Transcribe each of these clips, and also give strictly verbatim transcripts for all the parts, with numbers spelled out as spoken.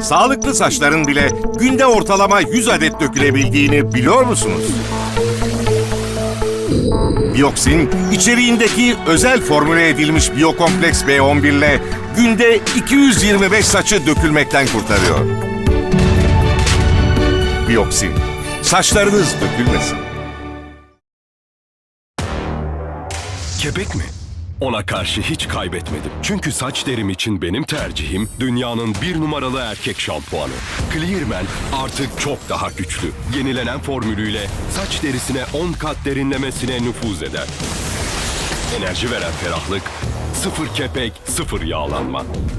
Sağlıklı saçların bile günde ortalama yüz adet dökülebildiğini biliyor musunuz? Bioxin, içeriğindeki özel formüle edilmiş Biokompleks B on bir ile günde iki yüz yirmi beş saçı dökülmekten kurtarıyor. Bioxin, saçlarınız dökülmesin. Kepek mi? Ona karşı hiç kaybetmedim. Çünkü saç derim için benim tercihim dünyanın bir numaralı erkek şampuanı. Clearman artık çok daha güçlü. Yenilenen formülüyle saç derisine on kat derinlemesine nüfuz eder. Enerji veren ferahlık, sıfır kepek, sıfır yağlanma.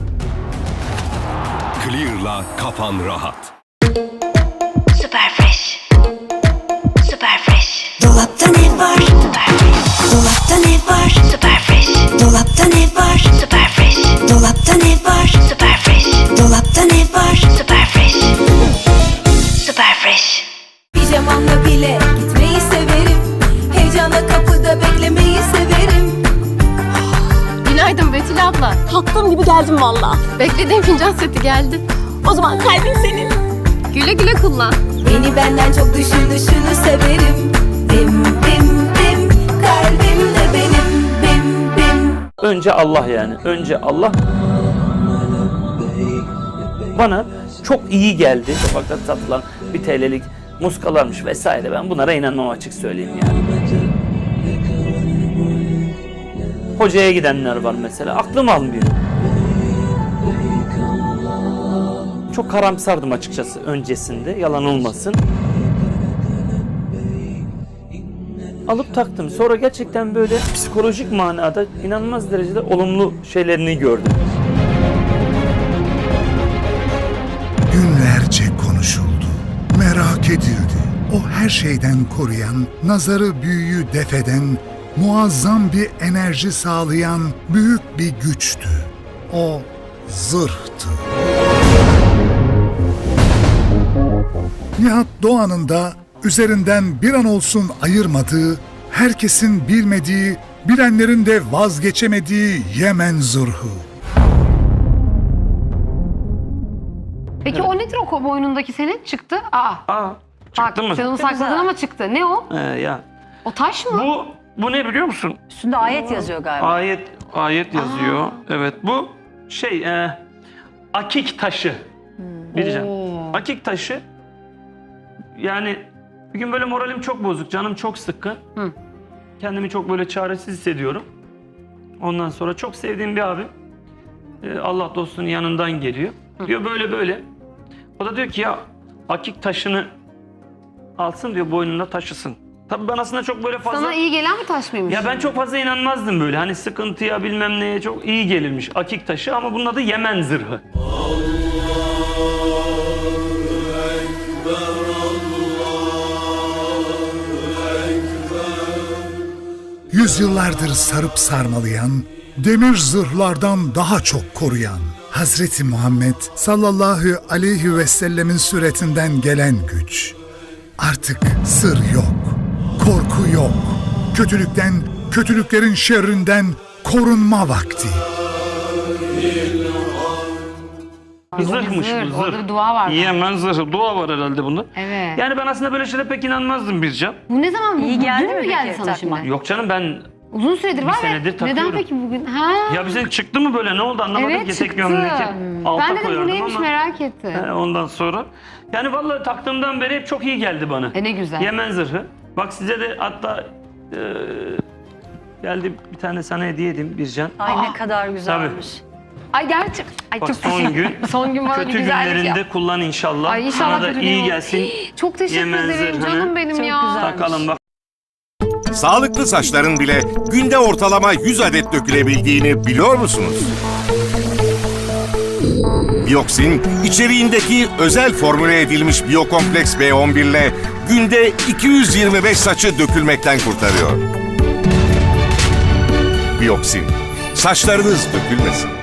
Clear'la kafan rahat. Super fresh. Super fresh. Dolapta ne var? Super fresh. Dolapta ne var? Super fresh. Dolapta ne var? Super fresh. Dolapta ne var? Super fresh. Dolapta ne var? Super fresh. Super fresh. Pijamamla bile gitmeyi severim. Heyecana kapıda beklemeyi severim. Günaydın Betül abla. Kalktığım gibi geldim valla. Beklediğim fincan seti geldi. O zaman kalbim senin. Güle güle kullan. Beni benden çok düşünüşünü severim. Bim bim bim, kalbim de benim. Bim bim. Önce Allah yani. Önce Allah bana çok iyi geldi. Sokakta satılan bir T L'lik muskalarmış vesaire. Ben bunlara inanmam, açık söyleyeyim yani. Hocaya gidenler var mesela. Aklım almıyor. Çok karamsardım açıkçası öncesinde. Yalan olmasın. Alıp taktım. Sonra gerçekten böyle psikolojik manada inanılmaz derecede olumlu şeylerini gördüm. Günlerce konuşuldu, merak edildi. O her şeyden koruyan, nazarı büyüyü defeden, muazzam bir enerji sağlayan büyük bir güçtü. O zırhtı. Nihat Doğan'ın da üzerinden bir an olsun ayırmadığı, herkesin bilmediği, bilenlerin de vazgeçemediği Yemen zırhı. Peki o nedir o boynundaki senin? Çıktı. Aa. Aa, çıktı Bak, mı? sen onu sakladın ama çıktı. Ne o? Ee, ya. O taş mı? Bu, bu ne biliyor musun? Üstünde ayet yazıyor galiba. Ayet, ayet yazıyor. Evet, bu şey, e, akik taşı. Bileceğim. Oo. Akik taşı, yani bir gün böyle moralim çok bozuk, canım çok sıkkın. Hı. Kendimi çok böyle çaresiz hissediyorum. Ondan sonra çok sevdiğim bir abim, e, Allah dostunun yanından geliyor. Hı. Diyor böyle böyle. O da diyor ki ya akik taşını alsın diyor, boynunda taşısın. Tabii ben aslında çok böyle fazla... Sana iyi gelen bir taş mıymış? Ya ben çok fazla inanmazdım böyle. Hani sıkıntıya bilmem neye çok iyi gelirmiş akik taşı, ama bunun adı Yemen zırhı. Yüzyıllardır sarıp sarmalayan, demir zırhlardan daha çok koruyan, Hazreti Muhammed sallallahu aleyhi ve sellemin suretinden gelen güç. Artık sır yok, korku yok. Kötülükten, kötülüklerin şerrinden korunma vakti. Bir zırhmış zırh, bu zırh. orada bir dua var. Yemen zırhı. Dua var herhalde bunda. Evet. Yani ben aslında böyle şeylere pek inanmazdım Bircan. Bu ne zaman? İyi bu, geldi dün mi mü geldi peki sana takma? şimdi? Yok canım, ben Uzun süredir Bir var senedir ve takıyorum. neden peki bugün? Ha? ya bize çıktı mı böyle, ne oldu anlamadım Evet ki, tek çıktı. gömleki alta Ben dedim bu koyardım neymiş ama. merak ettim. He, ondan sonra. Yani vallahi taktığımdan beri hep çok iyi geldi bana. E ne güzel. Yemen zırhı. Bak size de hatta e, geldi bir tane sana hediye edeyim Bircan. Ay ne kadar güzelmiş. Ay gerçek. Ay Bak çok son teşekkür- gün, son gün bana bir kötü güzellik günlerinde yap. kullan inşallah. Ay inşallah Sana da kötü iyi gün- gelsin. Çok teşekkür Yemen ederim zırhını canım benim Çok ya. güzel. Takalım bak. Sağlıklı saçların bile günde ortalama yüz adet dökülebildiğini biliyor musunuz? Bioxin, içeriğindeki özel formüle edilmiş Biokompleks B on bir ile günde iki yüz yirmi beş saçı dökülmekten kurtarıyor. Bioxin, saçlarınız dökülmesin.